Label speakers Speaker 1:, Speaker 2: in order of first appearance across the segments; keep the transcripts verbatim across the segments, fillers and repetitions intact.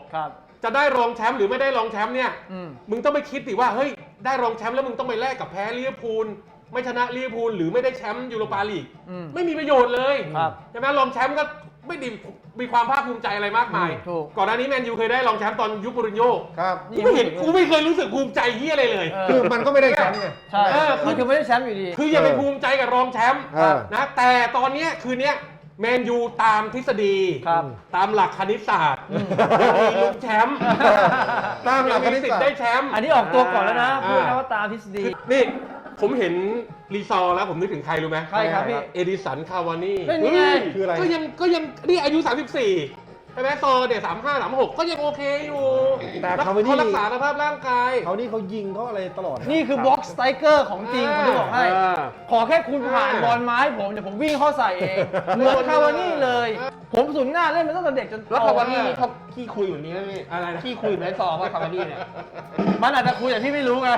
Speaker 1: จะได้รองแชมป์หรือไม่ได้รองแชมป์เนี่ยมึงต้องไปคิดดิว่าเฮ้ยได้รองแชมป์แล้วมึงต้องไปแลกกับแพ้ลิเวอร์พูลไม่ชนะลิเวอร์พูลหรือไม่ได้แชมป์ยูโรปาลีกไม่มีประโยชน์เลยใช่ไหมรองแชมป์ก็ไม่ดีมีความภาคภูมิใจอะไรมากมายก่อนหน้านี้แมนยูเคยได้รองแชมป์ตอนยุคมูรินโญ่
Speaker 2: ครับ
Speaker 1: กูไม่เห็นกูไม่เคยรู้สึกภูมิใจเฮียอะไรเลย
Speaker 2: คือมันก็ไม่ได้แชมป์ไง
Speaker 3: ใช่มันคือไม่ได้แชมป์อยู่ดี
Speaker 1: คืออย่าไปภูมิใจกับรองแชมป์นะแต่ตอนนี้คืนนี้แมนยูตามทฤษฎีตามหลักคณิตศาสตร์มีลุ้นแชมป์
Speaker 2: ตามหลักคณิตศาสตร์
Speaker 1: ได้แชมป์
Speaker 3: อันนี้ออกตัวก่อนแล้วนะพูดนะว่าตามทฤษฎี
Speaker 1: นี่ผมเห็นรีซอร์แล้วผมนึกถึงใครรู้ไหม
Speaker 3: ใครครับพี่
Speaker 1: เอดิสันคาวานี่
Speaker 3: เป็นยังไง
Speaker 2: คืออะไร
Speaker 1: ก็ยังก็ยังนี่อายุสามสิบสี่ใช่ไหมซอเนี่ยสามห้าสามหกก็ยังโอเคอยู่
Speaker 2: แต่เขาไม่ได้
Speaker 1: รักษาสภาพร่างกาย
Speaker 2: เขานี่เขายิงเขาอะไรตลอด
Speaker 3: นี่คือบล็อกสไตรเกอร์ของจริงผมจะบอกให้ขอแค่คุณผ่านบอลไม้ผมเดี๋ยวผมวิ่งเข้าใส่เองเหมือนคาวานี่เลยผมสุนหน้าเล่นมาตั้งแต่เด็กจน
Speaker 4: แล้วคาวานี่เขาขี้คุยแบบนี้ไหมพี่
Speaker 1: อะไรนะ
Speaker 4: ขี้คุยเหมือนซอว่าคาวานี่เนี่ย
Speaker 3: มันอาจจะคุยแต่พี่ไม่รู้ไง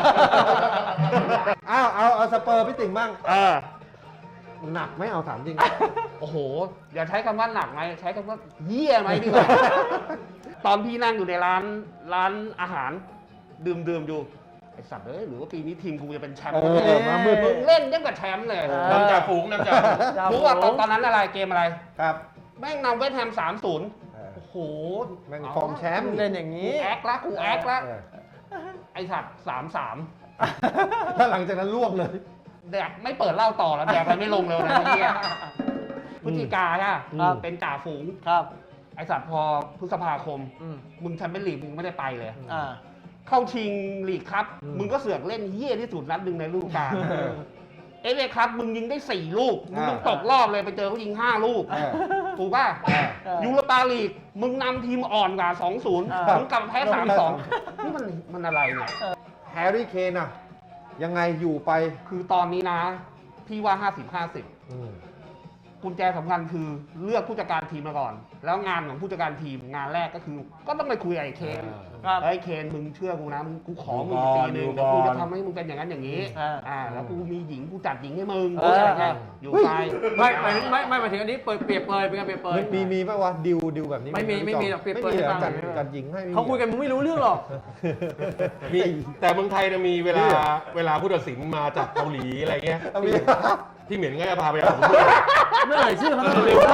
Speaker 2: อ้าวเอาเอาสเปอร์พี่ติ่งบ้างหนักไม่เอาถามจริง
Speaker 4: โอ้โหอย่าใช้คำว่าหนักไหมใช้คำว่าเยี่ยไหมดีกว่าตอนพี่นั่งอยู่ในร้านร้านอาหารดื่มดื่มอยู่ไอสัตว์เอ้ยหรือว่าปีนี้ทีมกูจะเป็นแชมป์
Speaker 2: มาเมื่อ
Speaker 4: มึงเล่นยังกับแชมป์เลย
Speaker 1: นำจ่าฝูงนำจ่า
Speaker 4: รู้ว่าตอนนั้นอะไรเกมอะไร
Speaker 2: ครับ
Speaker 4: แม่งนำเวสต์แฮมสามศูนย์โอ้โห
Speaker 2: แม่งฟอร์มแชมป์
Speaker 3: เล่นอย่างนี้
Speaker 4: แอคละกูแอคละไอสัตว์สามสาม
Speaker 2: แล้วหลังจากนั้นล่วงเลย
Speaker 4: แดกไม่เปิดเล่าต่อแล้วแดกไปไม่ลงเลยนะพี่พฤศจิกาใช่เป็นจ่าฝูง
Speaker 3: ครับ
Speaker 4: ไอสัตว์พอพฤษภาคมมึงแชมเปี้ยนลีกมึงไม่ได้ไปเลย
Speaker 3: อ่า
Speaker 4: เข้าชิงลีกครับมึงก็เสือกเล่นเหี้ยที่สุดนัดหนึ่งในฤดูกาลเอฟเอครับมึงยิงได้สี่ลูกมึงต้องตกรอบเลยไปเจอเขายิงห้าลูกถูกป่ะยูโรปาลีกมึงนำทีมอ่อนกว่า สองศูนย์ มึงกลับแพ้ สามสอง นี่มันมันอะไรเนี่ย
Speaker 2: แฮร์รี่เคนอะยังไงอยู่ไป
Speaker 4: คือตอนนี้นะพี่ว่า ห้าสิบ ห้าสิบ กุญแจสำคัญคือเลือกผู้จัดการทีมมาก่อนแล้วงานของผู้จัดการทีมงานแรกก็คือก็ต้องไปคุยกับไอ้เคนไอ้เคนมึงเชื่อกูนะมึงกูขอมึงปีนึงแล้วกูจะทำให้มึงเป็นอย่างนั้นอย่างนี้อ่าแล้วกูมีหญิงกูจัดหญิงให้มึงอะไรเงี้ยอยู่ไป
Speaker 3: ไม่ไม่ไม่ไม่มาถึงอันนี้เปิดเปรียบเปยเป็นการเปรียบเปย
Speaker 2: มีมีป่ะวะดิวดิวแบบนี้
Speaker 3: ไม่มีไม่มีหรอกเปรียบเปย
Speaker 2: จัดจัดหญิงให้
Speaker 3: เขาคุยกันมึงไม่รู้เรื่องหรอก
Speaker 1: มีแต่เมืองไทยจะมีเวลาเวลาผู้ตัดสินมาจากเกาหลีอะไรเงี้ยที่เหม็นก็จะพาไปอาบน้ำ
Speaker 3: ไม่ไหนชื่อเขา
Speaker 1: เร็ว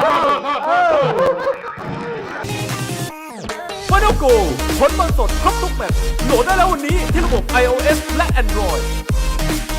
Speaker 5: ฟาโนโกผลบอลสดครบทุกแมตช์โหลดได้แล้ววันนี้ที่ระบบ ไอ โอ เอส และ Android